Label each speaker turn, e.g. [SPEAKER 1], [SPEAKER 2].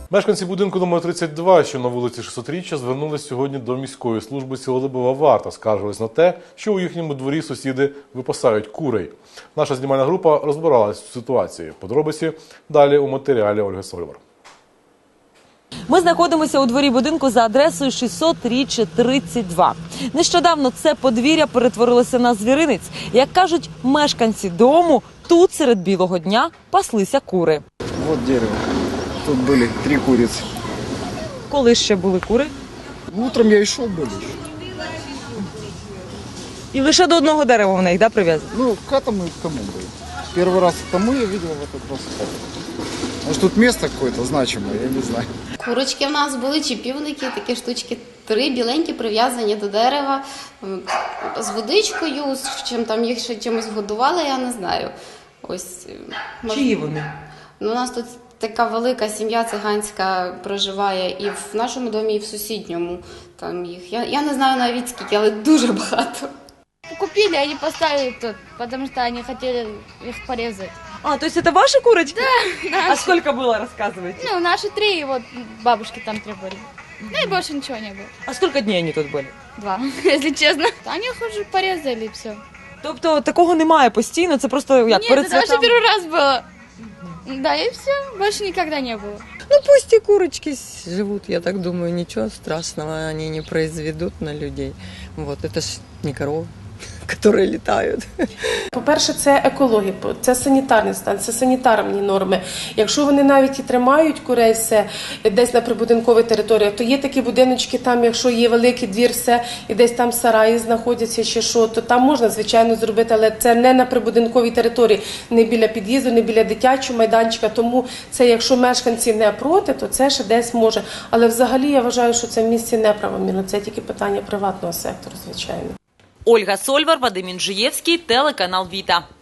[SPEAKER 1] Мешканці будинку номер 32, що на вулиці 600-річчя, звернулись сьогодні до міської служби «Сілолюбова варта». Скаржились на те, що у їхньому дворі сусіди випасають курей. Наша знімальна група розбиралась в ситуації. Подробиці далі у матеріалі Ольги Сольвар.
[SPEAKER 2] Ми знаходимося у дворі будинку за адресою 600-річчя 32. Нещодавно це подвір'я перетворилося на звіринець. Як кажуть мешканці дому, тут серед білого дня паслися кури.
[SPEAKER 3] Вот дерево. Тут были 3 курицы.
[SPEAKER 2] Коли ще були кури?
[SPEAKER 3] Утром я и шел были.
[SPEAKER 2] І лише до одного дерева в них, да, прив'язані?
[SPEAKER 3] Ну, к этому и к тому были. Первый раз к тому я видел, в этот раз к этому. Может, тут место какое-то значимое, я не знаю.
[SPEAKER 4] Курочки в нас були, чи півники, такі штучки, 3 біленькі, прив'язані до дерева, з водичкою, чим там їх ще чимось годували, я не знаю. Ось.
[SPEAKER 2] Чиї вони?
[SPEAKER 4] Ну, у нас тут така велика сім'я циганська проживає і в нашому домі, і в сусідньому. Там їх, я не знаю навіть скільки, але дуже багато.
[SPEAKER 5] Купили, они поставили тут, потому что они хотели их порезать.
[SPEAKER 2] А, то есть это ваши курочки?
[SPEAKER 5] Да, наши.
[SPEAKER 2] А сколько было, рассказывайте?
[SPEAKER 5] Ну, наши 3, и вот бабушки там 3 были. Ну и больше ничего не было.
[SPEAKER 2] А сколько дней они тут были?
[SPEAKER 5] 2, если честно. Они их уже порезали, и все.
[SPEAKER 2] Тобто такого немає постійно, це просто як
[SPEAKER 5] Нет,
[SPEAKER 2] перед
[SPEAKER 5] это вообще
[SPEAKER 2] святами?
[SPEAKER 5] первый раз было. Да, и все, больше никогда не было.
[SPEAKER 6] Ну пусть и курочки живут, я так думаю, ничего страшного они не произведут на людей. Вот, это ж не коровы, которые летают.
[SPEAKER 7] По-перше, це екологія, це санітарний стан, це санітарні норми. Якщо вони навіть і тримають курей все десь на прибудинковій території, то є такі будиночки, там, якщо є великий двір, все, і десь там сараї знаходяться чи що, то там можна, звичайно, зробити, але це не на прибудинковій території, не біля під'їзду, не біля дитячого майданчика, тому це, якщо мешканці не проти, то це ще десь може. Але взагалі я вважаю, що це в місті неправомірно, це тільки питання приватного сектору, звичайно.
[SPEAKER 2] Ольга Сольвар, Вадим Інжиєвський, телеканал Віта.